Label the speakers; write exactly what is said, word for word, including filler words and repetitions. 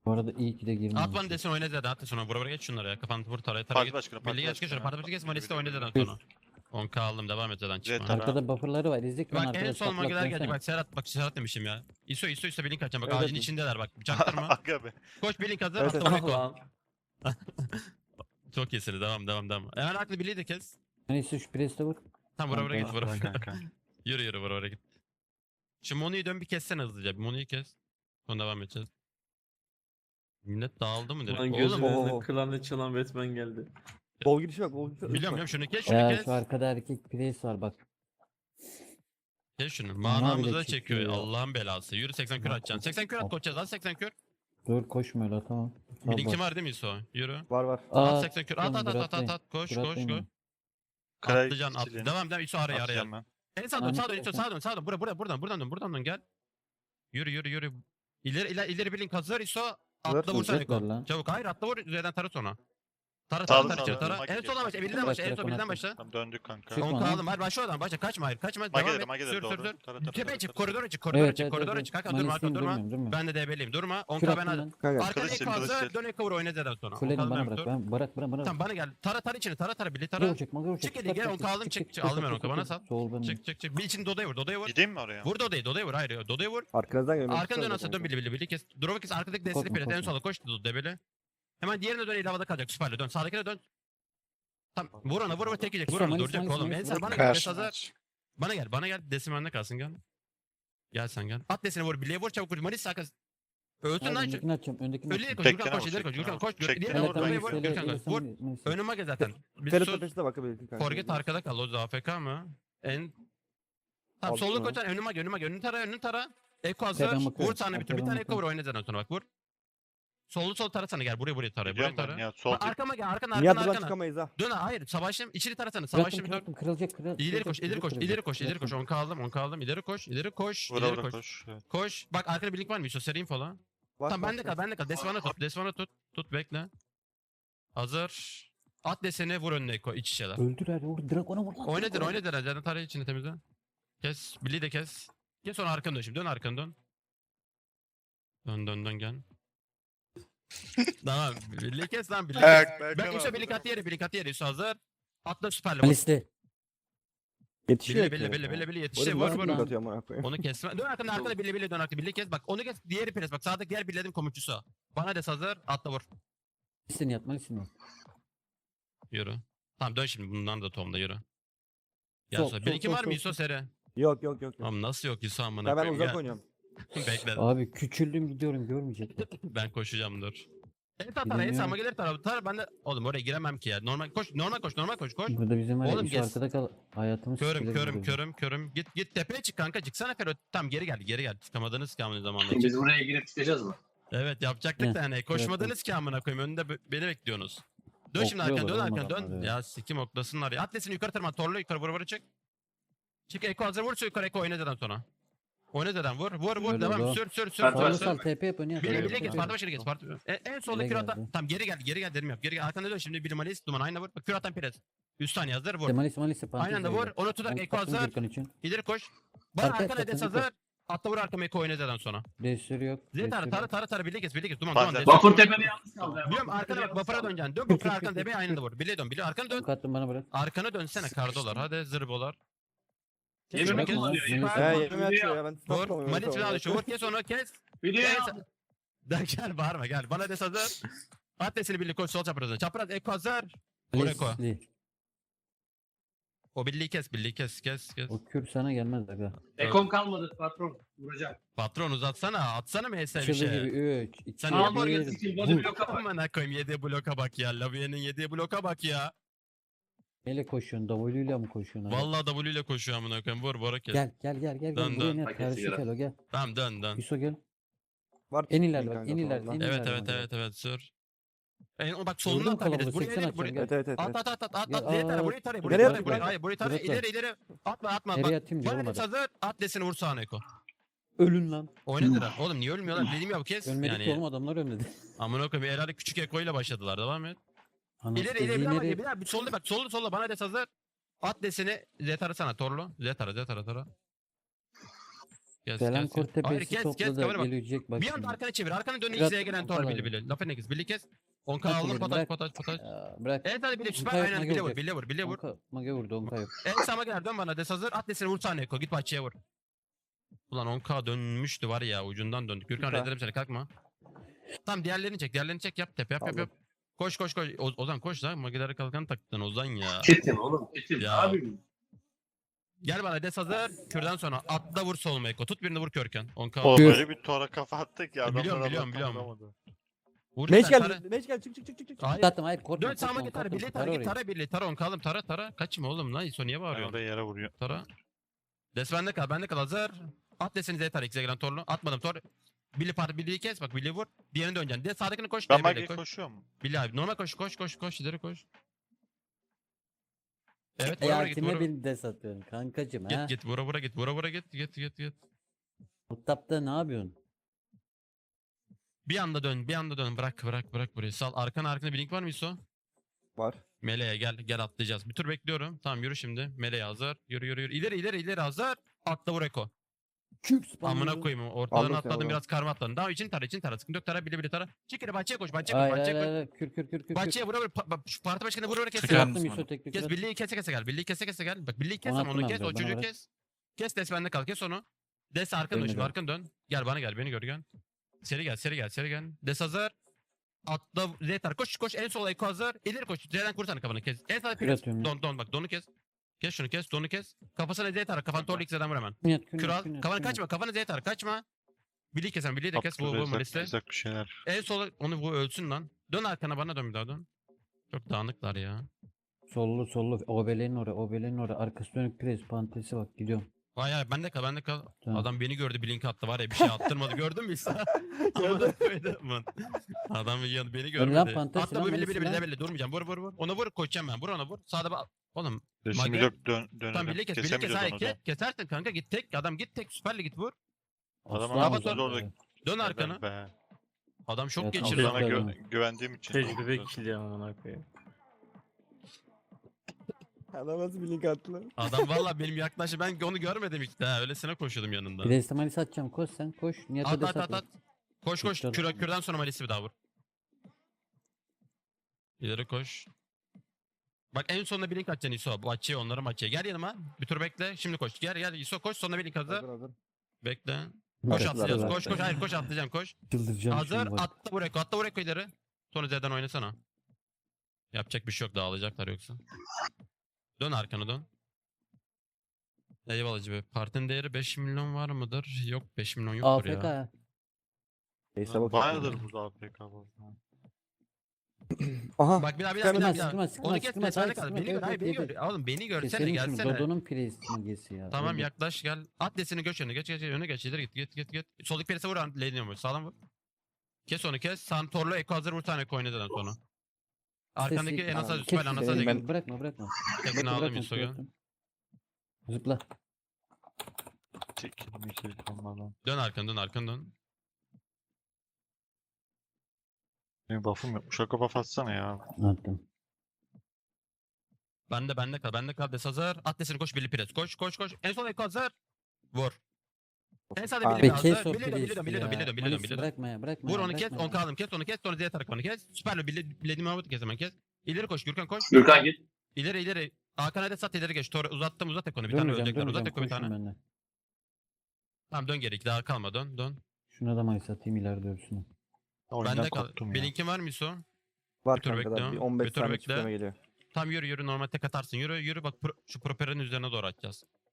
Speaker 1: Bu arada iyi ki de girmemiş.
Speaker 2: At bana desin oyna zaten. At sonra vura vura geç şunları ya. Kafanı vur taraya taraya
Speaker 3: Parti
Speaker 2: git.
Speaker 3: başkanı, parti
Speaker 2: Birliği geç geç şöyle.
Speaker 3: başkanı.
Speaker 2: Parti başkanı geç. Maliste oyna zaten
Speaker 1: Bir.
Speaker 2: sonra. on k aldım devam et zaten çıkma.
Speaker 3: Zeta.
Speaker 1: Arkada bufferları var. İzlik lan
Speaker 2: Bak en
Speaker 1: arkada
Speaker 2: son
Speaker 1: çaplak
Speaker 2: mageler gelecek.
Speaker 1: dönsene.
Speaker 2: Bak Serhat bak Serhat demişim ya. İso İso İso Blink atacağım. Bak
Speaker 4: Evet,
Speaker 2: ağacın
Speaker 4: evet.
Speaker 2: içindeler bak. Çaktırma.
Speaker 3: Aga be.
Speaker 2: Koş Blink hazır.
Speaker 4: Evet,
Speaker 2: Attım
Speaker 4: evet.
Speaker 2: Eko. Çok iyisiniz devam devam devam. Hemen aklı Birliği de kes.
Speaker 1: Neyse şu preste vur.
Speaker 2: Tam vura vura git vura.
Speaker 3: Lan kanka.
Speaker 2: Yürü yürü vura vura git. Şu Monu'yu dön bir kessene hızlıca. Bir Monu'yu kes. Sonra devam edeceğiz. Millet dağıldı mı direkt?
Speaker 5: Lan
Speaker 2: Oğlum
Speaker 5: gözümün
Speaker 4: Oo.
Speaker 5: önüne klanı çalan Batman geldi.
Speaker 4: Bol girişi bak. Bol girişi bak.
Speaker 2: biliyorum biliyorum şunu kes şunu
Speaker 1: Ya
Speaker 2: kes.
Speaker 1: şu arkada erkek preste var bak.
Speaker 2: Kes şunu.
Speaker 1: bile
Speaker 2: Manamızı da
Speaker 1: çekiyor
Speaker 2: çekiyor.
Speaker 1: ya.
Speaker 2: Allah'ın belası. Yürü seksen kür
Speaker 1: Bak,
Speaker 2: atacaksın.
Speaker 1: bak.
Speaker 2: seksen kür at
Speaker 1: Bak.
Speaker 2: koşacağız. At seksen kür.
Speaker 1: Dur koşma öyle tamam. Sağ
Speaker 2: Bir linki
Speaker 1: bak.
Speaker 2: var değil mi İso? Yürü.
Speaker 4: Var var.
Speaker 1: Aa,
Speaker 2: At seksen kür. At at at at at at. Koş koş koş.
Speaker 1: Bırakmayın.
Speaker 3: Kray
Speaker 2: Atlayacaksın at.
Speaker 3: kişiliğini
Speaker 2: Devam devam İso araya araya.
Speaker 3: atacağım ben.
Speaker 2: En sağa dön
Speaker 1: Aynen.
Speaker 2: sağa dön İso sağa dön sağa dön. Buraya buraya buradan buradan dön buradan dön gel. Yürü yürü yürü. İleri ileri, ileri bir link hazır İso. Atla
Speaker 4: Hazır,
Speaker 2: vursana
Speaker 1: hazır
Speaker 2: Eko.
Speaker 1: lan.
Speaker 2: Çabuk hayır atla vur üzerinden tara sonra. Tara
Speaker 3: Sağlı,
Speaker 2: tara tara içeri
Speaker 3: sağlı.
Speaker 2: tara.
Speaker 3: Magi
Speaker 2: En
Speaker 3: geliyor.
Speaker 2: soldan başla. Birden
Speaker 1: Bırak,
Speaker 2: başla. En
Speaker 1: bırak,
Speaker 2: son
Speaker 1: onu
Speaker 2: birden
Speaker 1: atla.
Speaker 2: başla.
Speaker 3: Tamam döndük kanka.
Speaker 1: Çık.
Speaker 2: On
Speaker 1: Çıkma lan.
Speaker 2: kaldım. Hayır başla oradan başla. Kaçma hayır. Kaçma.
Speaker 3: Mage
Speaker 2: Devam
Speaker 3: dedi,
Speaker 2: et.
Speaker 3: mage
Speaker 2: Sür
Speaker 3: dedi.
Speaker 2: sür
Speaker 3: Doğru.
Speaker 2: sür.
Speaker 3: Tara, tara,
Speaker 2: Tepeye
Speaker 3: tara,
Speaker 2: çık.
Speaker 3: tara.
Speaker 2: Koridora çık. Koridora
Speaker 1: Evet
Speaker 2: çık.
Speaker 1: evet
Speaker 2: Koridora
Speaker 1: evet.
Speaker 2: çık. Kanka durma arka
Speaker 1: Manisiyim,
Speaker 2: durma.
Speaker 1: durmuyorum, durmuyorum.
Speaker 2: Ben de debeleyim. Durma. on
Speaker 1: Kür
Speaker 2: k
Speaker 1: attım
Speaker 2: ben
Speaker 1: lan.
Speaker 4: Kanka.
Speaker 2: Arkada
Speaker 3: Kılıç
Speaker 2: Eko
Speaker 3: şimdi, kılıç
Speaker 2: hazır.
Speaker 3: gel.
Speaker 2: Dön Eko vur oyna zeden sonra. On
Speaker 1: Kulelim
Speaker 2: kaldım
Speaker 1: bana
Speaker 2: ben
Speaker 1: bırak.
Speaker 2: dur.
Speaker 1: Ben bırak bırak bırak.
Speaker 2: Tamam bana gel. Tara tara içine. Tara tara bili
Speaker 1: Maga
Speaker 2: tara.
Speaker 1: vuracak maga vuracak.
Speaker 2: Çık hadi gel on kaldım. Çık çık. Aldım ben on k bana sal.
Speaker 1: Sol benim.
Speaker 2: Çık çık çık. Bir için Doda'ya vur. Doda'ya vur.
Speaker 3: Gideyim mi oraya?
Speaker 2: Vur Doda'yı. Doda'ya vur. Hayır. Doda'ya vur.
Speaker 4: Arkanızdan geliyorum.
Speaker 2: Arkanı dön asla dön bili bili bili kes. Drop'u kes. Arkadaki destini
Speaker 1: Korkma,
Speaker 2: pelet. En
Speaker 1: korkma.
Speaker 2: sola koş debeli. Hemen diğerine dön. El havada kalacak. Süperle dön. Sağdakine dön. Tamam. Vur ona vur vur tek yiyecek. Vur
Speaker 1: Malis,
Speaker 2: ona duracak
Speaker 1: Malis,
Speaker 2: oğlum.
Speaker 1: Malis,
Speaker 2: Ensar
Speaker 1: Malis.
Speaker 2: bana gel. Mes hazır. Bana gel. Bana gel. Desim önünde kalsın gel. Gel sen gel. At desini vur. Bileğe vur çabuk vur. Malis sakız. Ölsün
Speaker 1: Hayır,
Speaker 2: lan şu.
Speaker 1: öndekini atacağım. Öndekini
Speaker 2: Ölüye
Speaker 1: atacağım.
Speaker 2: koş.
Speaker 3: Tekten
Speaker 2: Gürkan koş.
Speaker 3: vur,
Speaker 2: İleri koş.
Speaker 3: tekten
Speaker 2: Gürkan
Speaker 3: vur.
Speaker 2: koş.
Speaker 3: Tekten
Speaker 2: Diğerine
Speaker 3: vur,
Speaker 2: vur.
Speaker 3: ben
Speaker 2: Doda'ya vur.
Speaker 3: söyle,
Speaker 2: Gürkan koş. Vur. Önüme gel zaten. Bir
Speaker 4: Ferit
Speaker 2: sus.
Speaker 4: tepesine bakabilirsin kanka.
Speaker 2: Forget arkada kal. O A F K mı? En... Tamam
Speaker 4: Aldım
Speaker 2: sollu
Speaker 4: onu.
Speaker 2: koşan önüme gel. Önüme gel. Önünü tara. Önünü tara. Eko hazır.
Speaker 1: Tepeden bakıyorum,
Speaker 2: Vur sana bir tur. Bir
Speaker 1: tepeden
Speaker 2: tane Eko vur.
Speaker 1: bakıyorum.
Speaker 2: Oyna zaten sonra bak vur. Sollu sol tara sana gel. Buraya buraya tara. Buraya
Speaker 3: Gidiyorum ben
Speaker 2: tara.
Speaker 3: ya. Sol
Speaker 2: Bak,
Speaker 3: tık.
Speaker 2: arkama gel. Arkana
Speaker 4: Niye
Speaker 2: arkana
Speaker 4: buradan
Speaker 2: arkana.
Speaker 4: çıkamayız ha?
Speaker 2: Dön hayır savaşım içeri tarafını
Speaker 1: Kırattım
Speaker 2: savaşım bir dön.
Speaker 1: kırattım kırılacak kırılacak.
Speaker 2: İleri koş ileri koş ileri koş ileri koş on kaldım on kaldım ileri koş ileri koş
Speaker 3: Vura
Speaker 2: ileri
Speaker 3: vura
Speaker 2: koş.
Speaker 3: koş. Evet.
Speaker 2: Koş bak arkada birlik var mı Yusuf sereyim falan.
Speaker 4: Var,
Speaker 2: Tamam
Speaker 4: var,
Speaker 2: bende
Speaker 4: var.
Speaker 2: kal bende kal Desvan'a tut Desvan'a tut tut bekle. Hazır. At deseni vur önüne koy iç içeler.
Speaker 1: Öldüler vur Dragon'a vur lan.
Speaker 2: Oyna den
Speaker 1: Dragon'a.
Speaker 2: oyna den zaten tarayı içini temizle. Kes birliği de kes. Kes sonra arkanı dön şimdi dön arkanı dön. Dön dön dön gel. Tamam birliği kes lan birliği kes. Ben Yusuf birlik at yeri birlik at yeri Yusuf hazır. Atla süperle vur.
Speaker 1: Malis'te.
Speaker 4: Yetişiyor.
Speaker 2: Bile bile bile bile bile yetişti
Speaker 4: Oğlum
Speaker 2: vur
Speaker 4: nasıl
Speaker 2: vur
Speaker 4: blok
Speaker 2: vur.
Speaker 4: atıyor amına koyayım?
Speaker 2: Onu kesme. Dön arkana arkada bile bile dön arkada bile kes. Bak onu kes. Diğeri pres. Bak sağdaki diğer birledim komutçusu. Bana des hazır. Atla vur.
Speaker 1: Malis'te yat Malis'te yat.
Speaker 2: Yürü. Tamam dön şimdi bundan da tomda yürü. Gel
Speaker 1: Sol,
Speaker 2: sonra.
Speaker 1: sol,
Speaker 2: Bir iki
Speaker 1: sol,
Speaker 2: var mı
Speaker 1: sol,
Speaker 2: Yusuf seri?
Speaker 4: Yok yok yok. yok.
Speaker 2: Tamam nasıl yok Yusuf amına
Speaker 4: Ya ben
Speaker 2: koyayım,
Speaker 4: uzak
Speaker 2: gel.
Speaker 4: oynuyorum.
Speaker 2: Bekle.
Speaker 1: Abi küçüldüm gidiyorum görmeyecekler.
Speaker 2: Ben koşacağım dur. Evet tara en
Speaker 1: Bilemiyorum.
Speaker 2: sağıma gelir tara. Tara ben de oğlum oraya giremem ki ya. Normal koş normal koş normal koş koş.
Speaker 1: Burada bizim var ya
Speaker 2: Oğlum
Speaker 1: şu
Speaker 2: gez.
Speaker 1: arkada kal. Hayatımız
Speaker 2: Körüm
Speaker 1: sikilir
Speaker 2: körüm
Speaker 1: burada.
Speaker 2: körüm körüm. Git git tepeye çık kanka çıksana Ferhat. Tamam geri gel geri gel. Çıkamadınız ki amına zamanda.
Speaker 6: Şimdi biz buraya girip çıkacağız mı?
Speaker 2: Evet yapacaktık
Speaker 1: Heh,
Speaker 2: da yani koşmadınız ki amına koyayım önünde be- beni bekliyorsunuz. Dön şimdi arkana dön
Speaker 1: Okluyorlar
Speaker 2: arkana
Speaker 1: oğlum
Speaker 2: dön.
Speaker 1: adamları
Speaker 2: Ya sikim oklasınlar ya. Atlesin yukarı tırman torlu yukarı vur vur çık. Çık Eko hazır vur yukarı Eko oyna zaten sonra. Oyna zaten vur vur vur
Speaker 1: Öyle
Speaker 2: devam
Speaker 1: oldu.
Speaker 2: sür sür sür.
Speaker 6: Parti
Speaker 1: Sağlı
Speaker 6: başkanı.
Speaker 1: sal T P yap oynuyor.
Speaker 2: Bile
Speaker 6: Öyle
Speaker 2: bile geç
Speaker 6: oldu.
Speaker 2: parti başına geç parti. En, en soldaki
Speaker 1: Bile
Speaker 2: küratan.
Speaker 1: geldi.
Speaker 2: Tamam geri gel geri gel dedim yap. Geri gel arkanda dön şimdi bir malis duman aynı vur. Bak küratan pires. Üst saniye hazır vur.
Speaker 1: Malis Malis'te pantolon.
Speaker 2: Aynen de vur. Onu tutarak Eko hazır.
Speaker 1: Gürkan için.
Speaker 2: İleri koş. Bana
Speaker 1: Arka
Speaker 2: arkana des
Speaker 1: katını
Speaker 2: hazır. Atla vur arkama Eko oyna zaten sonra.
Speaker 1: Destur yok.
Speaker 2: Zil tara
Speaker 1: destur
Speaker 2: tara
Speaker 1: yok.
Speaker 2: tara tara birliğe geç birliğe geç. Duman
Speaker 3: Panzer.
Speaker 2: duman des.
Speaker 6: Vapur tepede yalnız kaldı. ya.
Speaker 2: Biliyorum
Speaker 6: Vapur
Speaker 2: arkana
Speaker 6: tepede
Speaker 2: bak
Speaker 6: yalnız
Speaker 2: vapura
Speaker 6: kaldı.
Speaker 2: döneceksin. Dön vapura arkana debe aynı da vur. Bile dön. Bile arkana dön.
Speaker 1: Kattım bana bırak.
Speaker 2: Arkana dönsene kardolar. Hadi zırbolar.
Speaker 6: Yemin
Speaker 2: Şunu
Speaker 1: Bırak
Speaker 2: kes.
Speaker 6: ediyorum
Speaker 1: lan,
Speaker 6: diyor,
Speaker 1: Yunus
Speaker 6: yemin
Speaker 4: He
Speaker 1: abi.
Speaker 6: ediyorum.
Speaker 4: yerimi açıyor ya ben
Speaker 2: Vur.
Speaker 4: tutamıyorum.
Speaker 2: Malis falan düşüyor. Vur kes onu kes.
Speaker 6: Video
Speaker 2: Gel
Speaker 6: ya.
Speaker 2: sen- Da gel bağırma gel. Bana des hazır. At desini birlik koş sol çaprazına. Çapraz Eko hazır. Vur Eko.
Speaker 1: Malis'li.
Speaker 2: O birliği kes birliği kes kes kes.
Speaker 1: O kür sana gelmez aga.
Speaker 6: Ekom kalmadı patron. Vuracağım.
Speaker 2: Patron uzatsana. Atsana mı hesabı bir
Speaker 1: Çıldı
Speaker 2: şey.
Speaker 1: gibi üç, iki,
Speaker 2: Sen
Speaker 6: Al var
Speaker 2: bir-
Speaker 6: ya skill body
Speaker 1: bir.
Speaker 6: bloka bak.
Speaker 2: Aman koyayım yediği bloka bak ya. Laviye'nin yediği bloka bak ya.
Speaker 1: Neyle koşuyorsun? W ile mi koşuyorsun? aga?
Speaker 2: Vallahi W ile koşuyor amına koyayım. Vur bora kes.
Speaker 1: Gel gel gel gel.
Speaker 2: Dön,
Speaker 1: gel.
Speaker 2: dön.
Speaker 1: Buraya ne?
Speaker 6: Paket
Speaker 1: Karşı
Speaker 6: sigara.
Speaker 1: gel o gel.
Speaker 2: Tamam dön dön.
Speaker 1: Yusuf gel.
Speaker 4: Var.
Speaker 1: En ileride bak
Speaker 4: kanka
Speaker 1: en ileride.
Speaker 4: falan.
Speaker 1: En
Speaker 2: Evet
Speaker 1: ileride
Speaker 2: evet
Speaker 1: bak.
Speaker 2: evet evet sür. En, bak
Speaker 1: Vurdum
Speaker 2: solundan
Speaker 1: kalabalığı,
Speaker 2: takip et. Buraya
Speaker 1: seksen
Speaker 2: değil buraya.
Speaker 1: atacağım,
Speaker 4: Evet evet evet.
Speaker 2: At
Speaker 4: evet.
Speaker 2: at at at at
Speaker 1: Ya,
Speaker 2: at. Burayı tara
Speaker 1: aa,
Speaker 2: burayı tara burayı
Speaker 4: nereye
Speaker 2: tara
Speaker 4: atayım
Speaker 2: burayı.
Speaker 4: lan?
Speaker 2: Hayır burayı tara
Speaker 1: Burası.
Speaker 2: ileri ileri. Atma atma
Speaker 1: Nereye
Speaker 2: bak.
Speaker 1: atayım
Speaker 2: Bana
Speaker 1: canım
Speaker 2: des hazır. At desini vur sağına Eko.
Speaker 1: Ölün lan.
Speaker 2: Oynadı da. Oğlum niye ölmüyorlar? Dediğim ya bu kes.
Speaker 1: Ölmedik ki oğlum
Speaker 2: Yani
Speaker 1: adamlar ölmedi.
Speaker 2: amına koyayım herhalde küçük Eko ile başladılar. Devam et.
Speaker 1: Anasını
Speaker 2: İleri ileri bir daha bak,
Speaker 1: ileri.
Speaker 2: bir daha bir solda bak solda solda bana des hazır. At desini Z tara sana torlu. Z tara Z tara tara. Kes
Speaker 1: Selen
Speaker 2: kes kes.
Speaker 1: Kurt
Speaker 2: Hayır
Speaker 1: tepesi
Speaker 2: kes kes
Speaker 1: topla da
Speaker 2: kavara bak.
Speaker 1: gelecek bak
Speaker 2: Bir anda
Speaker 1: şimdi.
Speaker 2: arkana çevir. Arkana dön
Speaker 1: Biraz
Speaker 2: X'ye gelen tor
Speaker 1: kafalar.
Speaker 2: bili bili. Lafı ne kız. Bili kes. Onka
Speaker 1: Bırak
Speaker 2: aldım
Speaker 1: ileri,
Speaker 2: potaş
Speaker 1: bırak.
Speaker 2: potaş potaş.
Speaker 1: Ya, bırak.
Speaker 2: Evet hadi bile süper
Speaker 1: Onka yok,
Speaker 2: aynen
Speaker 1: mage
Speaker 2: bile vur
Speaker 1: vuracak.
Speaker 2: bile vur bile vur.
Speaker 1: Onka, mage vurdu onka yok.
Speaker 2: En sama gel dön bana des hazır. At desini vur tane Eko. Git bahçeye vur. Ulan on K dönmüştü var ya ucundan döndük. Gürkan
Speaker 4: Süper.
Speaker 2: redderim seni kalkma. Tamam diğerlerini çek diğerlerini çek yap tep yap yap
Speaker 4: Aldım.
Speaker 2: yap. Koş koş koş. O, Ozan koş lan. Magileri kalkanı taktın Ozan ya.
Speaker 6: Çetin oğlum. Çetin.
Speaker 2: Ya.
Speaker 6: Abi.
Speaker 2: Gel bana des hazır. Kürden sonra atla vur soluma Eko. Tut birini vur körken. on K.
Speaker 3: O
Speaker 1: Kür.
Speaker 3: böyle bir tora kafa attık ki adamlar
Speaker 2: Biliyorum, biliyorum,
Speaker 3: Allah'tan
Speaker 2: biliyorum.
Speaker 3: vuramadı.
Speaker 2: Vur
Speaker 4: Meş
Speaker 2: sen, tara.
Speaker 4: geldi. Meş geldi. Çık çık çık çık çık.
Speaker 2: Hayır.
Speaker 1: Tattım hayır korkma.
Speaker 2: Dön sağıma
Speaker 1: korkma,
Speaker 2: git tara.
Speaker 1: korkma,
Speaker 2: Birliği
Speaker 1: tar
Speaker 2: tara git
Speaker 1: orayı.
Speaker 2: tara birliği. Tara on kalım tara tara. Kaçma oğlum lan. İso niye
Speaker 3: Ben
Speaker 2: bağırıyorsun?
Speaker 3: orada yere vuruyor.
Speaker 2: Tara. Des bende kal bende kal hazır. At desini Z tara X'e gelen torlu. Atmadım tor. Billy par Billy'yi kes bak Billy'yi vur. Diğerini döneceksin. Des sağdakini koş.
Speaker 3: Ben
Speaker 2: D birle
Speaker 3: Magi'ye
Speaker 2: koş.
Speaker 3: koşuyorum.
Speaker 2: Billy abi normal koş koş koş koş ileri koş. Evet vura
Speaker 1: Ya
Speaker 2: vura git
Speaker 1: kime
Speaker 2: vura.
Speaker 1: bir des atıyorsun kankacım ha?
Speaker 2: Git git vura vura git vura vura git git git git.
Speaker 1: Muttapta ne yapıyorsun?
Speaker 2: Bir anda dön bir anda dön bırak bırak bırak burayı sal. Arkana arkana bir link var mı İso?
Speaker 4: Var.
Speaker 2: Meleğe gel gel atlayacağız. Bir tur bekliyorum. Tamam yürü şimdi. Meleğe hazır. Yürü yürü yürü. İleri ileri ileri hazır. Atla vur Eko.
Speaker 1: Kük spam.
Speaker 2: Amına koyayım. Ortadan
Speaker 4: Aldım seni,
Speaker 2: atladım
Speaker 4: aldım.
Speaker 2: biraz karma atladım. Daha için tara için tara. Sıkıntı yok tara bile bile tara. Çık yere bahçeye koş bahçeye koş
Speaker 1: Hayır hayır
Speaker 2: bahçeye koş.
Speaker 1: hayır. Kür kür kür kür.
Speaker 2: Bahçeye vura vura. Pa- pa- şu parti başkanı vura vura kes.
Speaker 3: Çıkar
Speaker 2: Kes
Speaker 3: mısın?
Speaker 1: Attım Yusuf teknik.
Speaker 2: Birliği kese kese gel. Birliği kese kese gel. Bak birliği kes
Speaker 1: Onu
Speaker 2: ama onu
Speaker 1: attım
Speaker 2: kes.
Speaker 1: ben
Speaker 2: O
Speaker 1: de,
Speaker 2: çocuğu
Speaker 1: bana
Speaker 2: kes. Kes des bende kal kes onu. Des arkanı dön
Speaker 1: Önüne
Speaker 2: şimdi
Speaker 1: dön.
Speaker 2: arkanı dön. Gel bana gel beni gör gel. Seri gel seri gel seri gel. Des hazır. Atla Zetar koş koş en sola Eko hazır. İleri koş. Z'den kursana kafanı kes. En sağda
Speaker 1: Kür
Speaker 2: pres.
Speaker 1: atıyorum.
Speaker 2: Don don bak donu kes. Kes şunu kes donu kes. Kafasına Zetar kafanı torlu X'den vur hemen.
Speaker 1: Künat künat.
Speaker 2: Kral
Speaker 1: künat,
Speaker 2: kafanı
Speaker 1: künat.
Speaker 2: kaçma kafanı Zetar kaçma. Birliği kesen birliği de kes bu bu
Speaker 3: Abdurrezzak,
Speaker 2: Melis'te.
Speaker 3: Rezzak bir şeyler.
Speaker 2: En sola onu bu ölsün lan. Dön arkana bana dön bir daha dön. Çok dağınıklar ya.
Speaker 1: Sollu sollu. Obelenin oraya. Obelenin oraya. Arkası dönük pres. Pantesi bak gidiyorum.
Speaker 2: Vay ya bende kal bende kal.
Speaker 1: Tamam.
Speaker 2: Adam beni gördü blink attı var ya bir şey attırmadı gördün mü İsa? Amına koydum ben. Adam yan beni görmedi.
Speaker 1: lan, panter
Speaker 2: Atla
Speaker 1: silah,
Speaker 2: bu bile
Speaker 1: beni
Speaker 2: bile bile
Speaker 1: silah.
Speaker 2: bile durmayacağım. Vur vur vur. Ona vur koşacağım ben. Vur ona vur. Sağda bak. Oğlum
Speaker 3: Resmi
Speaker 2: Mage-
Speaker 3: yok dön, dönelim.
Speaker 2: tam birliği kes. Birliği kes.
Speaker 3: Kesemeyeceğiz
Speaker 2: Hayır
Speaker 3: onu
Speaker 2: kes.
Speaker 3: da.
Speaker 2: Kesersin kanka git tek. Adam git tek. Süper Lig git vur.
Speaker 3: Adam
Speaker 1: Aslan
Speaker 3: ama
Speaker 1: uzak
Speaker 3: orada-
Speaker 1: be.
Speaker 2: Dön arkana.
Speaker 3: Be.
Speaker 2: Adam şok
Speaker 1: Evet,
Speaker 2: geçiriyor.
Speaker 3: Sana
Speaker 1: Alacağım.
Speaker 3: gü- güvendiğim için.
Speaker 5: Tecrübe kill ya amına koyayım.
Speaker 4: Adam nasıl bir link attı lan?
Speaker 2: Adam valla benim yaklaşım ben onu görmedim ilk daha. Öylesine koşuyordum yanında.
Speaker 1: Pres'te Malis atacağım. Koş sen koş. Nihat'a
Speaker 2: At
Speaker 1: des
Speaker 2: at at
Speaker 1: at.
Speaker 2: at. Koş koş.
Speaker 1: Tuttum.
Speaker 2: Küre, kürden sonra Malis'i bir daha vur. İleri koş. Bak en sonunda bir link atacaksın İso. Bu açıya onların açıya. Gel yanıma. Bir tur bekle. Şimdi koş. Gel gel İso koş. Sonra bir link hazır.
Speaker 4: Hazır hazır.
Speaker 2: Bekle. Koş
Speaker 1: Evet,
Speaker 2: atlayacağız.
Speaker 1: zaten.
Speaker 2: Koş koş. Hayır koş atlayacağım koş.
Speaker 1: Çıldıracağım
Speaker 2: Hazır.
Speaker 1: şimdi bak.
Speaker 2: Atla buraya. Atla buraya ileri. Sonra Z'den oynasana. Yapacak bir şey yok. Dağılacaklar yoksa. Dön arkana dön. Eyvallah be. Partinin değeri beş milyon var mıdır? Yok beş milyon yoktur ya.
Speaker 1: A F K.
Speaker 4: Neyse bak.
Speaker 3: Bayağıdır burada A P K var.
Speaker 4: Aha.
Speaker 2: Bak bir daha bir daha bir
Speaker 1: Sıkma
Speaker 2: daha. Bir daha.
Speaker 1: sıkma sıkma
Speaker 2: Onu kes
Speaker 1: sıkma.
Speaker 2: besmele
Speaker 1: Hayır,
Speaker 2: kal.
Speaker 1: sıkma,
Speaker 2: Beni gör.
Speaker 1: evet,
Speaker 2: Hayır beni
Speaker 1: evet,
Speaker 2: gör. Oğlum beni görsene
Speaker 1: Keselim şunu.
Speaker 2: gelsene.
Speaker 1: Dodo'nun pres magesi ya.
Speaker 2: Tamam
Speaker 1: Öldü.
Speaker 2: yaklaş gel. At desini göç önüne. Geç geç geç, öne geç. İleri git git git git. Soldaki perese vur. Lane'e vur. Sağlam vur. Kes onu kes. San Torlu Eko hazır vur tane Eko oynadan sonra. Arkandaki
Speaker 1: Sesi-
Speaker 2: en az
Speaker 1: Aa,
Speaker 2: az
Speaker 1: kes
Speaker 2: süper
Speaker 1: sesi,
Speaker 2: anasını
Speaker 1: ben-
Speaker 2: da
Speaker 1: Bırakma bırakma.
Speaker 2: tekini
Speaker 1: Bırakma,
Speaker 2: aldım
Speaker 1: bırakma,
Speaker 2: Yusuf'a gel.
Speaker 1: bıraktım. Zıpla.
Speaker 3: Çekildim ikili olmadan.
Speaker 2: Dön arkanı dön arkanı dön.
Speaker 3: Benim buff'ım yok. Şaka buff atsana ya.
Speaker 1: Attım.
Speaker 2: Bende bende kal. Bende kal. Des hazır. At desini koş. Birli pres. Koş koş koş. En son Eko hazır. Vur. En sağda
Speaker 4: Aa,
Speaker 2: Birli
Speaker 1: Be
Speaker 2: hazır.
Speaker 1: kes o
Speaker 2: Birli dön Birli dön
Speaker 1: presi
Speaker 2: Birli dön
Speaker 1: ya.
Speaker 2: Birli dön Birli dön
Speaker 1: Malis
Speaker 2: Birli dön.
Speaker 1: bırakma ya bırakma
Speaker 2: Vur
Speaker 1: ya,
Speaker 2: onu kes.
Speaker 1: bırakma
Speaker 2: On
Speaker 1: ya.
Speaker 2: kaldım. Kes onu kes. Sonra Z tarafı onu kes. Süperle Birli Birli Mahmut'u kes hemen kes. İleri koş. Gürkan koş.
Speaker 6: Gürkan git.
Speaker 2: İleri ileri. Hakan'a da sat ileri geç. Tor uzattım uzat Eko'nu. Bir tane
Speaker 1: Dönmeyeceğim
Speaker 2: ölecekler. Uzat
Speaker 1: dönmeyeceğim.
Speaker 2: Eko bir
Speaker 1: Koşun
Speaker 2: tane.
Speaker 1: benden.
Speaker 2: Tamam dön geri. Daha kalma dön dön.
Speaker 1: Şuna da Malis atayım ileride ölsün.
Speaker 3: Oyundan
Speaker 2: Bende kal.
Speaker 3: koptum ya.
Speaker 2: Bir linkin var mı Yusuf?
Speaker 4: Var
Speaker 2: Bir tur
Speaker 4: kanka
Speaker 2: bekle.
Speaker 4: daha bir
Speaker 2: Bir
Speaker 4: on beş
Speaker 2: tur
Speaker 4: saniye
Speaker 2: bekle.
Speaker 4: çıkmama geliyor.
Speaker 2: Tam yürü yürü normal tek atarsın. Yürü yürü bak pro- şu properin üzerine doğru atacağız.